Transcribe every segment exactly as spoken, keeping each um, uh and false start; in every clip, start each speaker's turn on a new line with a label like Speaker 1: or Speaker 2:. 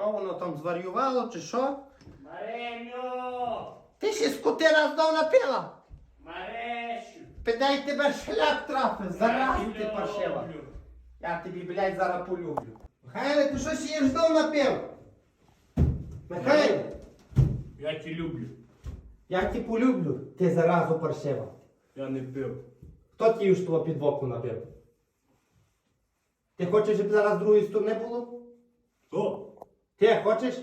Speaker 1: Що воно там зварювало, чи що?
Speaker 2: Мареню!
Speaker 1: Ти ще скотина знов напила?
Speaker 2: Марешу!
Speaker 1: Підай тебе шлях трафив, зараз ти
Speaker 2: люблю.
Speaker 1: паршива. Я тобі, блядь, зараз полюблю. Михайле, ти що ще знов напив? Михайле,
Speaker 2: Я тебе люблю.
Speaker 1: я тебе полюблю, ти заразу паршива.
Speaker 2: Я не пив.
Speaker 1: Хто ті ж того під боку напив? Ти хочеш, щоб зараз з другої сторони було?
Speaker 2: Хто?
Speaker 1: Ти хочеш?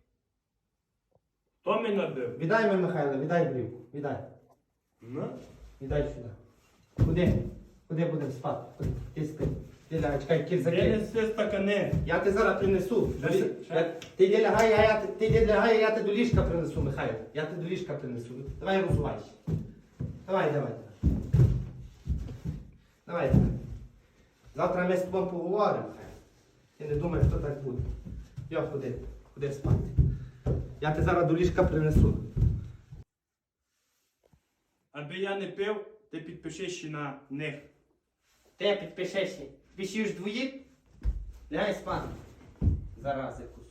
Speaker 2: Хто мене набив?
Speaker 1: Віддай мені, Михайло, віддай брівку, віддай.
Speaker 2: Ну?
Speaker 1: Віддай сюди. Куди? Куди будемо спати? Куди? Ти спи. Ти лягай, чекай,
Speaker 2: Де
Speaker 1: кірзаки.
Speaker 2: неси стакани?
Speaker 1: Я тебе зараз принесу.
Speaker 2: Що
Speaker 1: Ти-
Speaker 2: це?
Speaker 1: я- Ти йди лягай, а я, ти йди лягай, а я тебе до ліжка принесу, Михайло. Я тебе до ліжка принесу. Давай розувайся. Давай, давай. Давай, давай. Завтра ми з тобою поговоримо, Михайло. Ти не думай, хто так буде. Йо, ходи, ходи спати. Я тебе зараз до ліжка принесу.
Speaker 2: Аби я не пив, ти підпишись ще на них.
Speaker 1: Ти підпишешся. Пишеш двоїх? Лягай спати. Зараз якусь.